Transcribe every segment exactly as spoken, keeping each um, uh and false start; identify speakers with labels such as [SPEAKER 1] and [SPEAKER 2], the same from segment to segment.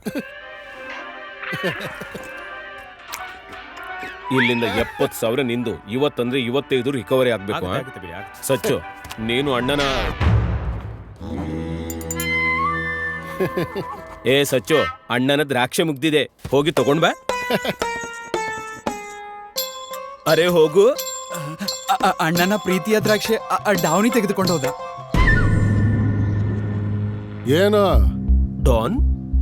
[SPEAKER 1] ಇಲ್ಲಿಂದ ಎಪ್ಪತ್ತು ಸಾವಿರ ನಿಂದು. ಇವತ್ತಂದ್ರೆ ಇವತ್ತೈದು ರಿಕವರಿ ಆಗ್ಬೇಕು. ಸಚ್ಚು, ನೀನು ಅಣ್ಣನ ಏ ಸಚ್ಚು, ಅಣ್ಣನ ದ್ರಾಕ್ಷೆ ಮುಗ್ದಿದೆ, ಹೋಗಿ ತಗೊಂಡ್ ಬಾ. ಅರೆ ಹೋಗು.
[SPEAKER 2] ಅಣ್ಣನ ಪ್ರೀತಿಯ ದ್ರಾಕ್ಷೆ ಡಾವ್ನಿ ತೆಗೆದುಕೊಂಡು ಹೋದ.
[SPEAKER 3] ಏನು
[SPEAKER 1] ಡಾನ್?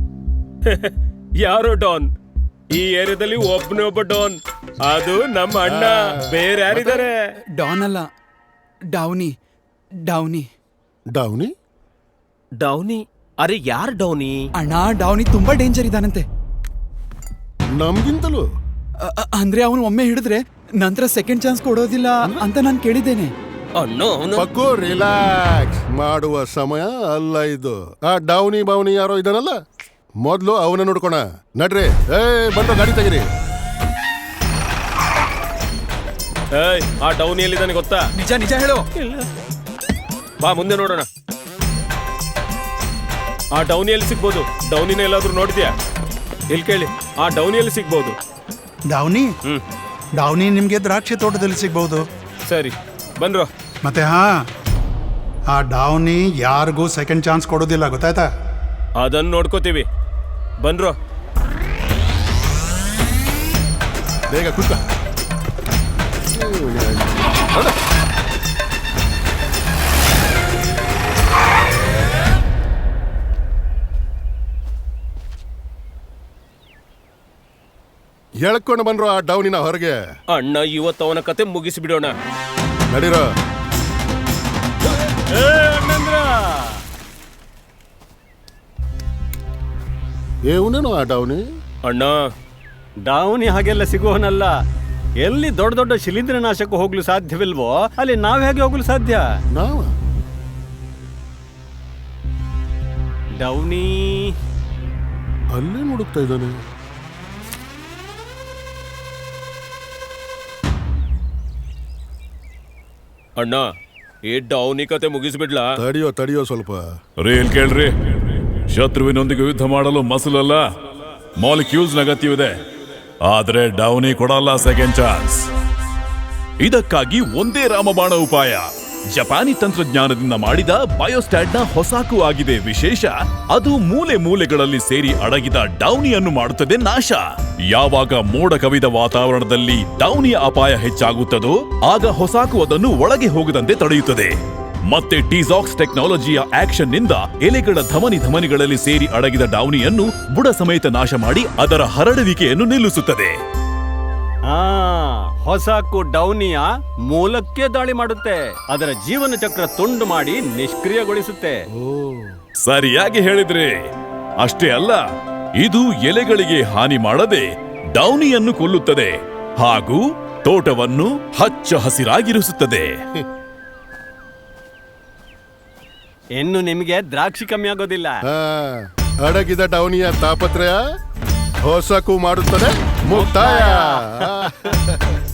[SPEAKER 1] ಯಾರೋ ಡಾನ್? ಈ ಏರಿಯಾದಲ್ಲಿ ಒಬ್ಬನೇ ಒಬ್ಬ ಡಾನ್, ಅದು ನಮ್ಮ ಅಣ್ಣ. ಬೇರೆ ಯಾರಿದ್ದಾರೆ?
[SPEAKER 2] ಡಾನ್ ಅಲ್ಲ, ಡಾವ್ನಿ. ಡಾವ್ನಿ
[SPEAKER 3] ಡೌನಿ
[SPEAKER 1] ಡೌನಿ? ಅರೆ ಯಾರು ಡೌನಿ?
[SPEAKER 2] ಅಣ್ಣ, ಡಾವ್ನಿ ತುಂಬಾ ಡೇಂಜರ್ ಇದಾನಂತೆ.
[SPEAKER 3] ನಮ್ಗಿಂತಲೂ
[SPEAKER 2] ಅ- ಅ- ಅಂದ್ರೆ ಅವನು ಒಮ್ಮೆ ಹಿಡಿದ್ರೆ ನಂತರ ಸೆಕೆಂಡ್ ಚಾನ್ಸ್ ಕೊಡೋದಿಲ್ಲ ಅಂತ ನಾನು ಕೇಳಿದ್ದೇನೆ.
[SPEAKER 1] ಅಣ್ಣ ಅವನು
[SPEAKER 3] ಪಕ್ಕು ರಿಲ್ಯಾಕ್ಸ್ ಮಾಡುವ ಸಮಯ ಅಲ್ಲ ಇದು. ಆ ಡೌನಿ ಬೌನಿ ಯಾರೋ ಇದಾನಲ್ಲ, ಮೊದ್ಲು ಅವನ ನೋಡ್ಕೋಣ. ನಡ್ರಿ, ಏ ಬಂದು ಗಾಡಿ ತೆಗಿರಿ.
[SPEAKER 1] ಏಯ್, ಆ ಡೌನಿ ಎಲ್ಲಿದ್ದಾನೆ ಗೊತ್ತಾ?
[SPEAKER 2] ನಿಜ ನಿಜ ಹೇಳು.
[SPEAKER 1] ಬಾ ಮುಂದೆ ನೋಡೋಣ. ಆ ಡೌನಿಯಲ್ಲಿ ಸಿಗ್ಬೋದು. ಡೌನಿನ ಎಲ್ಲಾದ್ರೂ ನೋಡಿದ್ಯಾ? ಇಲ್ಲಿ ಕೇಳಿ, ಆ ಡೌನಿಯಲ್ಲಿ ಸಿಗ್ಬೋದು.
[SPEAKER 4] ಡಾವ್ನಿ
[SPEAKER 1] ಹ್ಮ್
[SPEAKER 4] ಡಾವ್ನಿ ನಿಮ್ಗೆ ದ್ರಾಕ್ಷಿ ತೋಟದಲ್ಲಿ ಸಿಗ್ಬಹುದು.
[SPEAKER 1] ಸರಿ, ಬನ್ರೋ.
[SPEAKER 4] ಮತ್ತೆ ಹಾ, ಆ ಡಾವ್ನಿ ಯಾರಿಗೂ ಸೆಕೆಂಡ್ ಚಾನ್ಸ್ ಕೊಡೋದಿಲ್ಲ, ಗೊತ್ತಾಯ್ತಾ?
[SPEAKER 1] ಅದನ್ನ ನೋಡ್ಕೋತೀವಿ, ಬನ್ರೋ.
[SPEAKER 3] ಬೇಗ ಕುತ್ಕ. ಎಳ್ಕೊಂಡು ಬಂದ್ರು ಆ ಡೌನಿನ ಹೊರಗೆ.
[SPEAKER 1] ಅಣ್ಣ, ಇವತ್ತು ಅವನ ಕತೆ ಮುಗಿಸಿ ಬಿಡೋಣ.
[SPEAKER 3] ನಡೀರೋ. ಏವನೇನು ಆ ಡೌನಿ?
[SPEAKER 1] ಅಣ್ಣ,
[SPEAKER 5] ಡಾವ್ನಿ ಹಾಗೆಲ್ಲ ಸಿಗುವನಲ್ಲ. ಎಲ್ಲಿ ದೊಡ್ಡ ದೊಡ್ಡ ಶಿಲೀಂಧ್ರನಾಶಕ ಹೋಗ್ಲು ಸಾಧ್ಯವಿಲ್ವೋ ಅಲ್ಲಿ ನಾವ್ ಹೇಗೆ ಹೋಗ್ಲು ಸಾಧ್ಯ?
[SPEAKER 3] ನಾವ
[SPEAKER 5] ಡೌನಿ
[SPEAKER 3] ಅಲ್ಲೇ ನೋಡುತ್ತಾ ಇದ್ದಾನೆ.
[SPEAKER 1] ಅಣ್ಣ, ಈ ಡೌನಿ ಕತೆ ಮುಗಿಸ್ಬಿಡ್ಲಾ?
[SPEAKER 3] ತಡಿಯೋ ತಡಿಯೋ ಸ್ವಲ್ಪ.
[SPEAKER 6] ರೀ ಇಲ್ಲಿ ಕೇಳ್ರಿ, ಶತ್ರುವಿನೊಂದಿಗೆ ಯುದ್ಧ ಮಾಡಲು ಮಸಲಲ್ಲ, ಮಾಲಿಕ್ಯೂಲ್ಸ್ ಅಗತ್ಯವಿದೆ. ಆದ್ರೆ ಡೌನಿ ಕೊಡಲ್ಲ ಸೆಕೆಂಡ್ ಚಾನ್ಸ್. ಇದಕ್ಕಾಗಿ ಒಂದೇ ರಾಮಬಾಣ ಉಪಾಯ. ಜಪಾನಿ ತಂತ್ರಜ್ಞಾನದಿಂದ ಮಾಡಿದ ಬಯೋಸ್ಟ್ಯಾಟ್ನ ಹೊಸಾಕು ಆಗಿದೆ ವಿಶೇಷ. ಅದು ಮೂಲೆ ಮೂಲೆಗಳಲ್ಲಿ ಸೇರಿ ಅಡಗಿದ ಡೌನಿಯನ್ನು ಮಾಡುತ್ತದೆ ನಾಶ. ಯಾವಾಗ ಮೋಡ ಕವಿದ ವಾತಾವರಣದಲ್ಲಿ ಡೌನಿಯ ಅಪಾಯ ಹೆಚ್ಚಾಗುತ್ತದೋ ಆಗ ಹೊಸಾಕು ಅದನ್ನು ಒಳಗೆ ಹೋಗದಂತೆ ತಡೆಯುತ್ತದೆ. ಮತ್ತೆ ಟೀಸಾಕ್ಸ್ ಟೆಕ್ನಾಲಜಿಯ ಆಕ್ಷನ್ ನಿಂದ ಎಲೆಗಳ ಧಮನಿ ಧಮನಿಗಳಲ್ಲಿ ಸೇರಿ ಅಡಗಿದ ಡೌನಿಯನ್ನು ಬುಡ ಸಮೇತ ನಾಶ ಮಾಡಿ ಅದರ ಹರಡುವಿಕೆಯನ್ನು ನಿಲ್ಲಿಸುತ್ತದೆ.
[SPEAKER 5] ಆ ಹೊಸಕು ಡೌನಿಯ ಮೂಲಕ್ಕೆ ದಾಳಿ ಮಾಡುತ್ತೆ, ಅದರ ಜೀವನ ಚಕ್ರ ತುಂಡು ಮಾಡಿ ನಿಷ್ಕ್ರಿಯಗೊಳಿಸುತ್ತೆ.
[SPEAKER 6] ಸರಿಯಾಗಿ ಹೇಳಿದ್ರಿ. ಅಷ್ಟೇ ಅಲ್ಲ, ಇದು ಎಲೆಗಳಿಗೆ ಹಾನಿ ಮಾಡದೆ ಡೌನಿಯನ್ನು ಕೊಲ್ಲುತ್ತದೆ ಹಾಗೂ ತೋಟವನ್ನು ಹಚ್ಚ ಹಸಿರಾಗಿರಿಸುತ್ತದೆ.
[SPEAKER 5] ಇನ್ನು ನಿಮಗೆ ದ್ರಾಕ್ಷಿ ಕಮ್ಮಿ ಆಗೋದಿಲ್ಲ.
[SPEAKER 3] ಹಾ, ಅಡಗಿದ ಡೌನಿಯ ತಾಪತ್ರಯ ಹೊಸಕು ಮಾಡುತ್ತದೆ ಮುಕ್ತಾಯ.